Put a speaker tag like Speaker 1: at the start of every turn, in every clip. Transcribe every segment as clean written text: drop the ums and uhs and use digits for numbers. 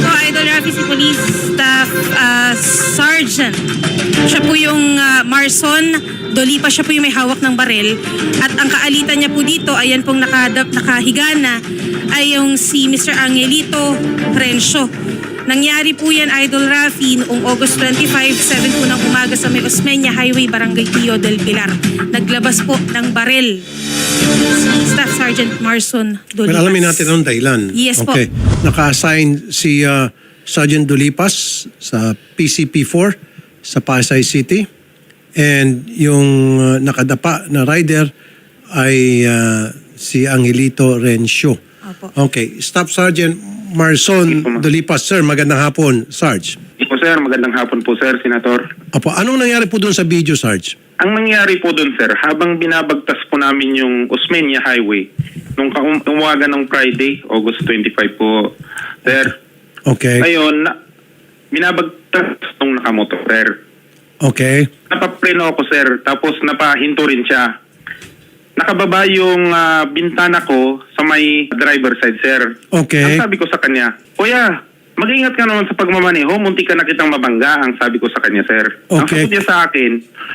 Speaker 1: po, Idol Rafi, si Police Staff Sergeant. Siya po yung Marson Dolipa, siya po yung may hawak ng baril. At ang kaalitan niya po dito, ayan pong nakahiga na, ay yung si Mr. Angelito Rencio. Nangyari po yan, Idol Rafi, noong August 25, 7 po ng umaga sa May Osmeña Highway, Barangay Pio del Pilar. Naglabas po ng baril si Staff Sergeant Marson Dolipas.
Speaker 2: Well, alamin natin ang dahilan.
Speaker 1: Yes po.
Speaker 2: Okay. Naka-assign si Sergeant Dolipas sa PCP4 sa Pasay City. And yung nakadapa na rider ay si Angelito Rencio.
Speaker 1: Opo.
Speaker 2: Okay. Staff Sergeant Marson Dolipas. Sir, magandang hapon, Sarge.
Speaker 3: Po sir, magandang hapon po sir, Senator.
Speaker 2: Apo, anong nangyari po doon sa video, Sarge?
Speaker 3: Ang nangyari po doon sir, habang binabagtas po namin yung Osmeña Highway, nung umaga ng Friday, August 25 po, sir.
Speaker 2: Okay.
Speaker 3: Ngayon, binabagtas nung nakamotor, sir.
Speaker 2: Okay.
Speaker 3: Napapreno ako sir, tapos napahinto rin siya. Nakababa yung bintana ko sa may driver side, sir.
Speaker 2: Okay.
Speaker 3: Ang sabi ko sa kanya, Kuya, mag-ingat ka naman sa pagmamaneho, munti ka na kitang mabangga, ang sabi ko sa kanya, sir. Ang
Speaker 2: Okay.
Speaker 3: sagot niya sa akin,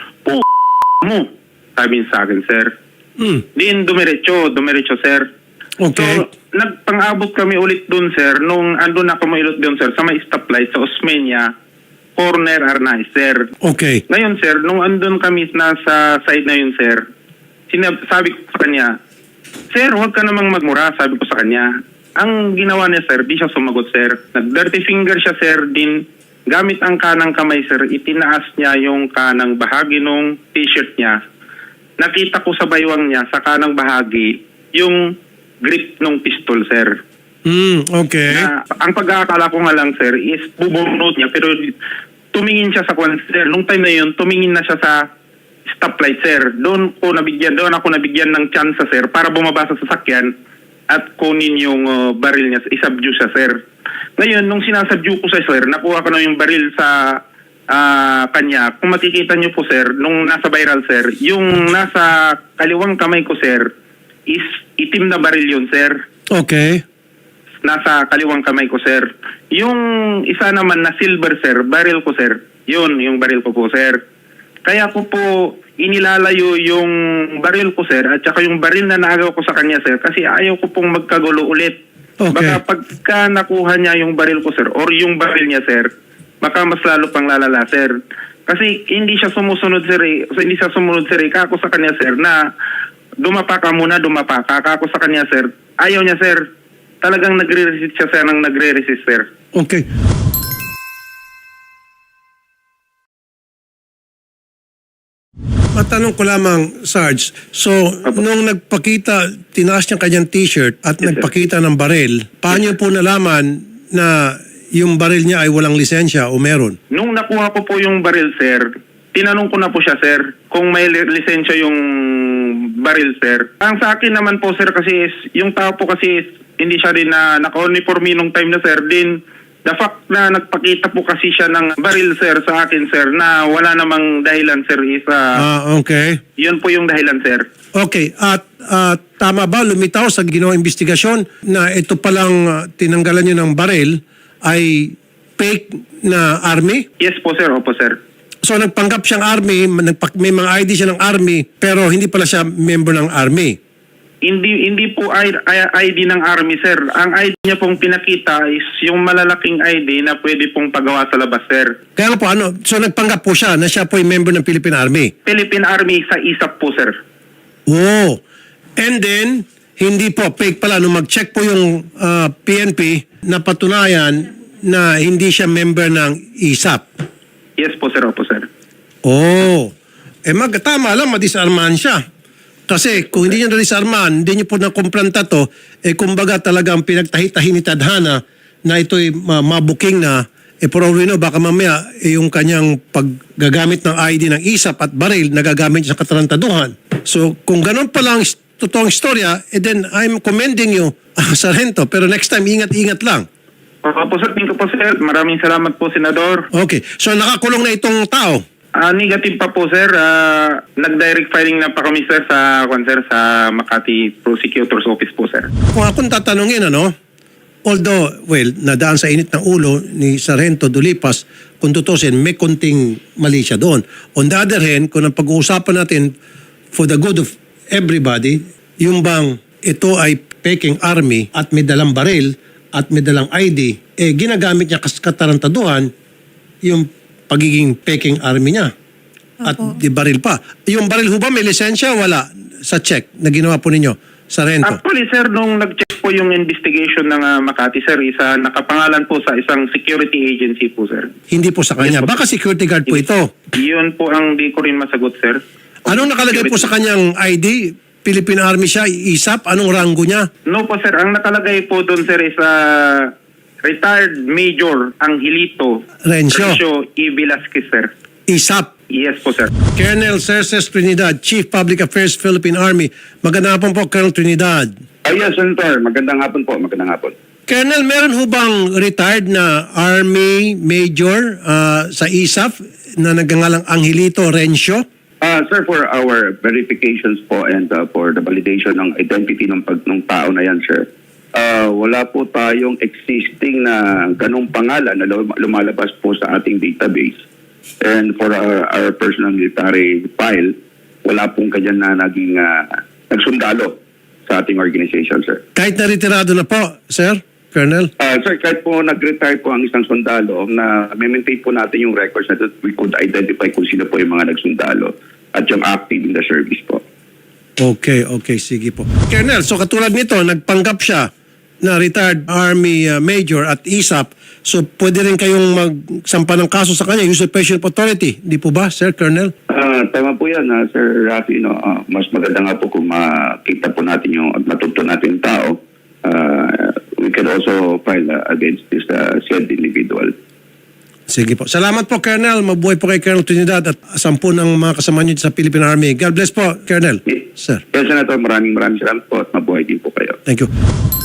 Speaker 3: mo, sabi niya sa akin, sir. Din, dumiretso, sir.
Speaker 2: Okay.
Speaker 3: So, nagpang-abot kami ulit dun, sir, nung andun ako mailot dun, sir, sa may stoplight sa Osmeña, corner Arnaiz, sir.
Speaker 2: Okay.
Speaker 3: Ngayon, sir, nung andun kami nasa side na yun, sir, sabi ko sa kanya, Sir, huwag ka namang magmura, sabi ko sa kanya. Ang ginawa niya, sir, di siya sumagot, sir. Nag-dirty finger siya, sir, din gamit ang kanang kamay, sir, itinaas niya yung kanang bahagi nung t-shirt niya. Nakita ko sa baywang niya, sa kanang bahagi, yung grip nung pistol, sir.
Speaker 2: Okay.
Speaker 3: Na, ang pag-aakala ko nga lang, sir, is bubunot niya, pero tumingin siya sa kwan, sir. Nung time na yun, tumingin na siya sa stoplight, sir. Doon ako nabigyan ng chance, sir, para bumaba sa sasakyan at kunin yung baril niya, isubdue siya, sir. Ngayon, nung sinasubdue ko sa sir, nakuha ko na yung baril sa kanya. Kung makikita niyo po, sir, nung nasa viral, sir, yung nasa kaliwang kamay ko, sir, is itim na baril yun, sir.
Speaker 2: Okay.
Speaker 3: Nasa kaliwang kamay ko, sir. Yung isa naman na silver, sir, baril ko, sir. Yun, yung baril ko po, sir. Kaya ko po inilalayo yung baril ko, sir, at saka yung baril na naagaw ko sa kanya, sir, kasi ayaw ko pong magkagulo ulit.
Speaker 2: Okay.
Speaker 3: Baka pagka nakuha niya yung baril ko, sir, or yung baril niya, sir, baka mas lalo pang lalala, sir. Kasi hindi siya sumusunod, sir, kako sa kanya, sir, na dumapa ka muna, kako sa kanya, sir. Ayaw niya, sir. Talagang nagre-resist siya, sir, nang nagre-resist, sir.
Speaker 2: Okay. Matanong ko lamang, Sarge. So, nung nagpakita, tinaas niya kanyang t-shirt at
Speaker 3: Yes, sir.
Speaker 2: nagpakita ng baril, paano niyo po nalaman na yung baril niya ay walang lisensya o meron?
Speaker 3: Nung nakuha ko po yung baril, sir, tinanong ko na po siya, sir, kung may lisensya yung baril, sir. Ang sa akin naman po, sir, kasi is, yung tao po kasi is, hindi siya rin na naka-uniforme nung time na, sir, din. The fact na nagpakita po kasi siya ng baril, sir, sa akin, sir, na wala namang dahilan, sir, is,
Speaker 2: Okay.
Speaker 3: yun po yung dahilan, sir.
Speaker 2: Okay. At tama ba, lumitaw sa ginawang investigasyon na ito palang tinanggalan niyo ng baril ay fake na army?
Speaker 3: Yes po, sir. Opo, sir.
Speaker 2: So nagpanggap siyang army, may mga ID siya ng army, pero hindi pala siya member ng army.
Speaker 3: Hindi po ID ng army, sir. Ang ID niya pong pinakita is yung malalaking ID na pwede pong pagawa sa labas, sir.
Speaker 2: Kaya nga po, so nagpanggap po siya na siya po ay member ng Philippine Army.
Speaker 3: Philippine Army sa ISAP po, sir.
Speaker 2: Oh. And then, hindi po, fake pala. Nung mag-check po yung PNP, napatunayan na hindi siya member ng ISAP.
Speaker 3: Yes po, sir. Opo, sir.
Speaker 2: Oh. Tama lang, madisarmahan siya. Kasi kung hindi niyo na-disarmahan, hindi niyo po nakumplanta to, kumbaga talagang pinagtahi-tahi ni Tadhana na ito'y mabuking na, for all we know, baka mamaya yung kanyang paggagamit ng ID ng ISAP at baril, nagagamit sa katarantaduhan. So kung ganun pa lang totoong istorya, then I'm commending you, Sargento. Pero next time, ingat-ingat lang.
Speaker 3: Opo, sir. Thank you po, sir. Maraming salamat po, Senador.
Speaker 2: Okay. So nakakulong na itong tao.
Speaker 3: Negative pa po, sir. Nag-direct filing na pa kami, sir, sa Makati Prosecutor's Office po, sir.
Speaker 2: Kung akong tatanungin, Although, well, nadaan sa init ng ulo ni Sargento Dulipas, kung tutusin, may konting mali siya doon. On the other hand, kung ang pag-uusapan natin for the good of everybody, yung bang ito ay peking army at may dalang baril at may dalang ID, ginagamit niya katarantaduhan yung pagiging peking army niya. At di baril pa. Yung baril ho ba may lisensya? Wala. Sa check na ginawa po ninyo, Sargento.
Speaker 3: Actually, sir, nung nag-check po yung investigation ng Makati, sir, nakapangalan po sa isang security agency po, sir.
Speaker 2: Hindi po sa kanya. Baka security guard po ito.
Speaker 3: Yun po ang di ko rin masagot, sir.
Speaker 2: Anong nakalagay po sa kanyang ID? Philippine Army siya, ISAP? Anong rango niya?
Speaker 3: No po, sir. Ang nakalagay po doon, sir, is retired Major Angelito
Speaker 2: Rencio.
Speaker 3: E. Velasquez, sir.
Speaker 2: ISAP.
Speaker 3: Yes po, sir.
Speaker 2: Colonel Cerces Trinidad, Chief Public Affairs, Philippine Army. Magandang hapon po, Colonel Trinidad.
Speaker 4: Yes, Senator. Magandang hapon po. Magandang hapon.
Speaker 2: Colonel, meron ho bang retired na Army Major sa ISAP na nagngangalang Angelito Rencio?
Speaker 4: Sir, for our verifications po and for the validation ng identity ng tao na yan, sir, wala po tayong existing na ganong pangalan na lumalabas po sa ating database. And for our personal military file, wala pong kanyan na naging nagsundalo sa ating organization, sir.
Speaker 2: Kahit na retirado na po, Sir, Colonel?
Speaker 4: Sir, kahit po nag-retire po ang isang sundalo, na maintain po natin yung records na we could identify kung sino po yung mga nagsundalo at yung active in the service po.
Speaker 2: Okay, sige po. Colonel, so katulad nito, nagpanggap siya na retired Army Major at ISAP, so pwede rin kayong magsampa ng kaso sa kanya, usurpation of authority. Di po ba, Sir Colonel?
Speaker 4: Tama po yan, Sir Rafi. No? Mas maganda nga po kung makita po natin at matuto natin yung tao. We can also file against this said individual.
Speaker 2: Sige po. Salamat po, Colonel. Mabuhay po kay Colonel Trinidad at 10 ng mga kasama niyo sa Philippine Army. God bless po, Colonel. Sir.
Speaker 4: Yes, Senator. Maraming salamat po at mabuhay din po kayo.
Speaker 2: Thank you.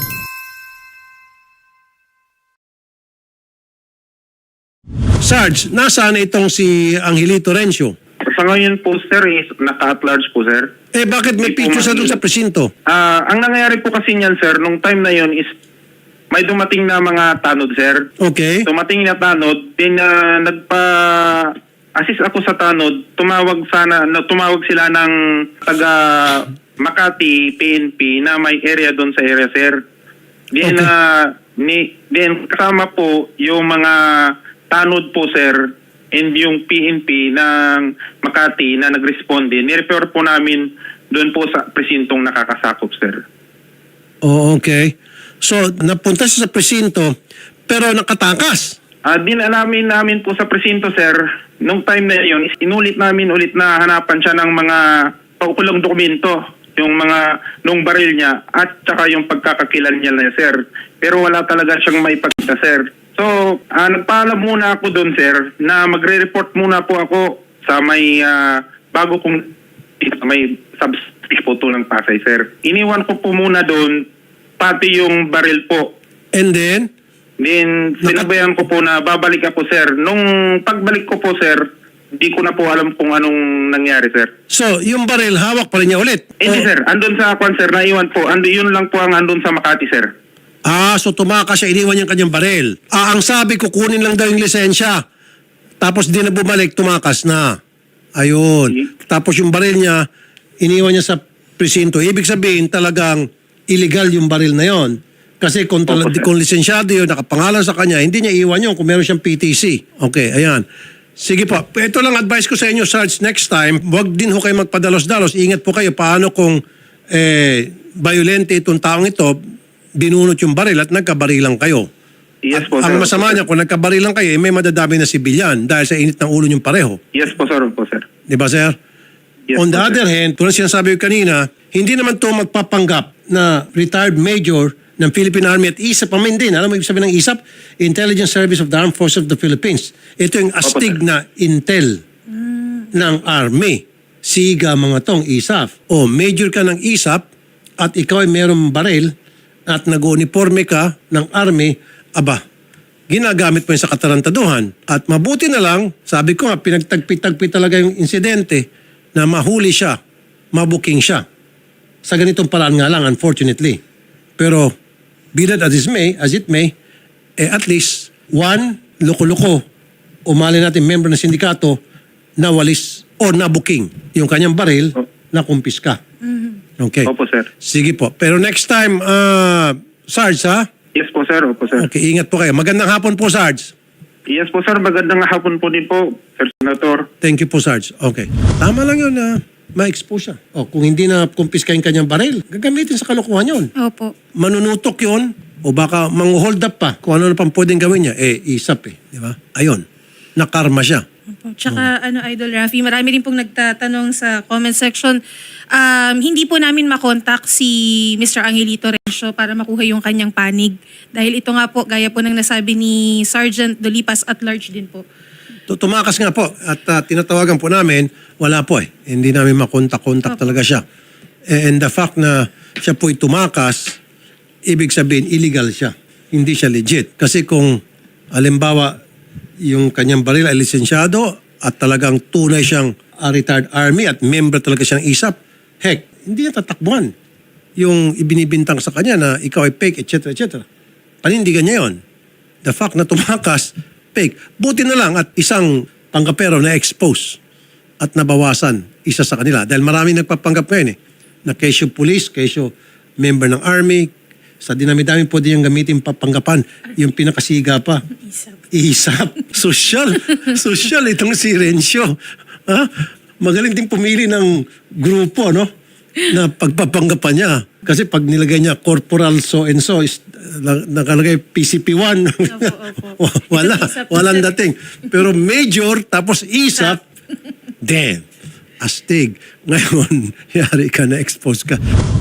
Speaker 2: Sarge, nasaan itong si Angelito Rencio?
Speaker 3: Sa ngayon po, sir, is naka-at large po, sir.
Speaker 2: Bakit may picture sa doon sa presinto?
Speaker 3: Ang nangyayari po kasi niyan, sir, nung time na yon is may dumating na mga tanod, sir.
Speaker 2: Okay.
Speaker 3: Dumating na tanod, then nagpa-assist ako sa tanod, tumawag sila ng taga Makati, PNP, na may area doon sa area, sir. Then, then kasama po yung mga tanod po, sir, and yung PNP ng Makati na nag-responde, nirefer po namin doon po sa presintong nakakasakop, sir.
Speaker 2: Oh, okay. So, napunta siya sa presinto, pero nakatakas.
Speaker 3: Dinalamin namin po sa presinto, sir. Nung time na yun, inulit namin ulit na hanapan siya ng mga paukulong dokumento, yung mga nung baril niya at saka yung pagkakakilan niya na, sir. Pero wala talaga siyang maipakita, sir. So, nagpaalam muna ako doon, sir, na magre-report muna po ako sa may bago kong may substation po to ng Pasay, sir. Iniwan ko po muna doon pati yung baril po.
Speaker 2: And then?
Speaker 3: Then, sinabayan ko po na babalik ako, sir. Nung pagbalik ko po, sir, di ko na po alam kung anong nangyari, sir.
Speaker 2: So, yung baril, hawak pa rin niya ulit?
Speaker 3: Hindi, sir. Andun sa kwan, sir. Naiwan po. Yun lang po ang andun sa Makati, sir.
Speaker 2: So tumakas siya, iniwan niya ang kanyang baril. Ang sabi, kukunin lang daw yung lisensya. Tapos di na bumalik, tumakas na. Ayun. Tapos yung baril niya, iniwan niya sa presinto. Ibig sabihin, talagang illegal yung baril na yon. Kasi kung lisensyado yun, nakapangalan sa kanya, hindi niya iwan yun kung meron siyang PTC. Okay, ayan. Sige po. Ito lang advice ko sa inyo, Sarge, next time, huwag din ho kayo magpadalos-dalos. Ingat po kayo paano kung violente itong taong ito, binunot yung baril at nagkabarilang kayo.
Speaker 3: Yes po, sir.
Speaker 2: Ang masama niya, kung nagkabarilang kayo, may madadami na sibilyan dahil sa init ng ulo niyong pareho.
Speaker 3: Yes po, sir.
Speaker 2: Di ba, sir?
Speaker 3: Yes,
Speaker 2: On the
Speaker 3: po,
Speaker 2: other
Speaker 3: sir.
Speaker 2: hand, tulad sinasabi ko kanina, hindi naman ito magpapanggap na retired major ng Philippine Army at ISAP. Pamin din. Alam mo ibig sabihin ng ISAP? Intelligence Service of the Armed Forces of the Philippines. Ito yung astig na intel ng Army. Siga mga tong ISAP. O major ka ng ISAP at ikaw ay mayroong baril at nag-uniforme ka ng Army, ginagamit mo yun sa katarantaduhan. At mabuti na lang, sabi ko nga, pinagtagpi-tagpi talaga yung insidente na mahuli siya, mabuking siya. Sa ganitong paraan nga lang, unfortunately. Pero be that as it may, at least, one, loko-loko, umali natin member ng sindikato na walis o na booking yung kanyang baril na kumpiska. Okay.
Speaker 3: Opo, sir.
Speaker 2: Sige po. Pero next time, Sarge, ha?
Speaker 3: Yes po, sir. Opo, sir.
Speaker 2: Okay, ingat po kayo. Magandang hapon po, Sarge.
Speaker 3: Yes po, sir. Magandang hapon po din po, Sir Senator.
Speaker 2: Thank you po, Sarge. Okay. Tama lang yun na ma-expose siya. O, kung hindi na kumpiska yung kanyang baril, gagamitin sa kalokohan yun.
Speaker 1: Opo.
Speaker 2: Manunutok yun o baka mang-hold up pa kung ano na pang pwedeng gawin niya. Isap Di ba? Ayun. Nakarma siya.
Speaker 1: Opo. Tsaka Idol Rafi, marami rin pong nagtatanong sa comment section. Hindi po namin makontak si Mr. Angelito Rencio para makuha yung kanyang panig. Dahil ito nga po, gaya po ng nasabi ni Sergeant Dolipas at large din po.
Speaker 2: Tumakas nga po at tinatawagan po namin, wala po Hindi namin makontak-kontak talaga siya. And the fact na siya po'y tumakas, ibig sabihin illegal siya. Hindi siya legit. Kasi kung halimbawa yung kanyang baril ay lisensyado at talagang tunay siyang retired army at member talaga siyang ISAP, heck, hindi niya tatakbuhan yung ibinibintang sa kanya na ikaw ay fake, etc. etc. Panindigan niya yon. The fact na tumakas, fake. Buti na lang at isang panggapero na expose at nabawasan isa sa kanila. Dahil marami nagpapanggap ngayon na kesyo police, kesyo member ng army, sa dinami-dami pwede niyang gamitin papanggapan. Yung pinakasiga pa. Isap. Social itong si Rencio. Ha? Magaling din pumili ng grupo, no? Na pagpapanggapan niya. Kasi pag nilagay niya corporal so and so, nakalagay PCP1. Walang dating. Pero major, tapos isap, damn, astig. Ngayon, yari ka na, expose ka.